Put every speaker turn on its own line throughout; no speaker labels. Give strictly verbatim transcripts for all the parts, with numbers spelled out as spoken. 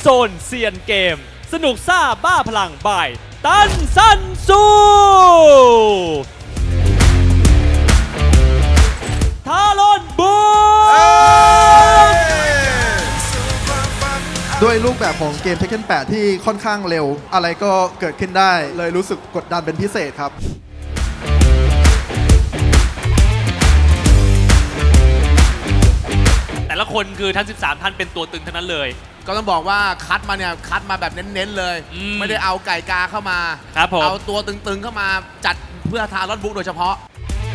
โซนเซียนเกมสนุกซ่าบ้าพลังบ่ายตันซันซูทารอนบู
ด้วยรูปแบบของเกม Tekken แปดที่ค่อนข้างเร็วอะไรก็เกิดขึ้นได้เลยรู้สึกกดดันเป็นพิเศษครับ
แต่ละคนคือทั้งสิบสามท่านเป็นตัวตึงทั้งนั้นเลย
ก็ต้องบอกว่าคัดมาเนี่ยคัดมาแบบเน้นๆเลยไม่ได้เอาไก่กาเข้ามา
ครับผม
เอาตัวตึงๆเข้ามาจัดเพื่อทารอนบุ๊กโดยเฉพาะ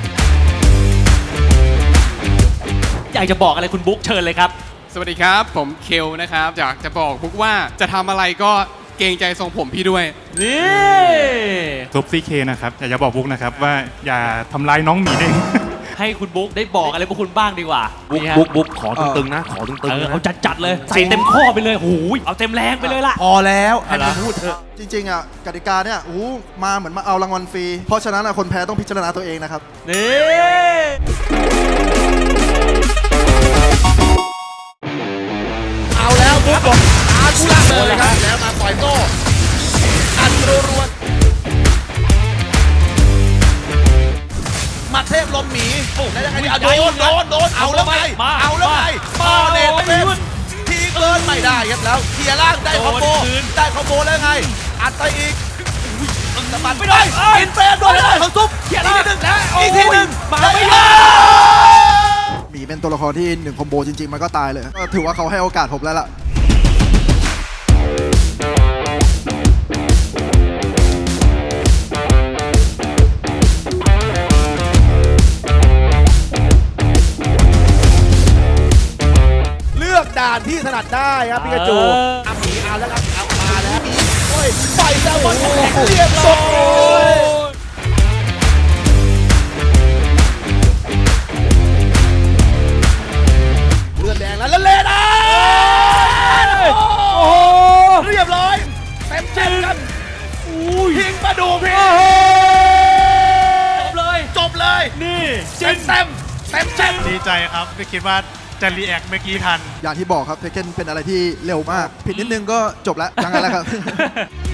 อยากจะบอกอะไรคุณบุ๊กเชิญเลยครับ
สวัสดีครับผมเคลนะครับอยากจะบอกบุ๊กว่าจะทำอะไรก็เกรงใจทรงผมพี่ด้วย
นี่
ซุปซี่เคนะครับอยากจะบอกบุ๊กนะครับว่าอย่าทำร้ายน้องหมีเด้ง
ให้คุณบุ๊กได้บอกอะไรพวกคุณบ้างดีกว่า
บุ๊กบุ๊กบุ๊กขอตึงๆนะขอตึงๆนะ
เอาจัดจัดเลยใส่เต็มข้อไปเลยโอ้ยเอาเต็มแรงไปเลยล่ะ
พอแล้วให้มันพูดเถอะ
จริงๆอ่ะกติกาเนี่ยอู้มาเหมือนมาเอารางวัลฟรีเพราะฉะนั้นคนแพ้ต้องพิจารณาตัวเองนะครับ
นี่
เอาแล้วบุ๊กบอกอาคุระเลยครับแล้วมาต่อยโต้อัดรัวมาเทพลมหมีแล้วยังไงดีโดนโดนโดนเอาแล้วไงเอาแล้วไงปาเนตเป็นทีเกินไม่ได้ครับแล้วเคลียร์ล่างได้คอมโบได้คอมโบแล้วไงอัดไปอีกสะบัดไม่ได้อินเฟรนโดนได้ของซุปอีกทีหนึ่งแล้วอีกทีหนึ่งมาไม่ได้
หมีเป็นตัวละครที่หนึ่งคอมโบจริงๆมันก็ตายเลยก็ถือว่าเขาให้โอกาสผมแล้วล่ะ
ด่านที่ถนัดได้ครับปิกาจูเอาหมีเอาแล้วครับเอามาแล้วมีโอ้ยไฟแซลมอนแข็งเรียบร้อยเลือดแดงแล้วแล้วเลนอ่ะโอ้โหเรียบร้อยเต็มเต็มครับพิงมาดูพี่
จบเลย
จบเลย
นี่
เต็มเต็มเต็มเต็ม
ดีใจครับไม่คิดว่าจะรีแอคเมื่อกี้ทัน
อย่างที่บอกครับเทคเก้นเป็นอะไรที่เร็วมากผิดนิดนึงก็จบแล้วยังไงแล้วครับ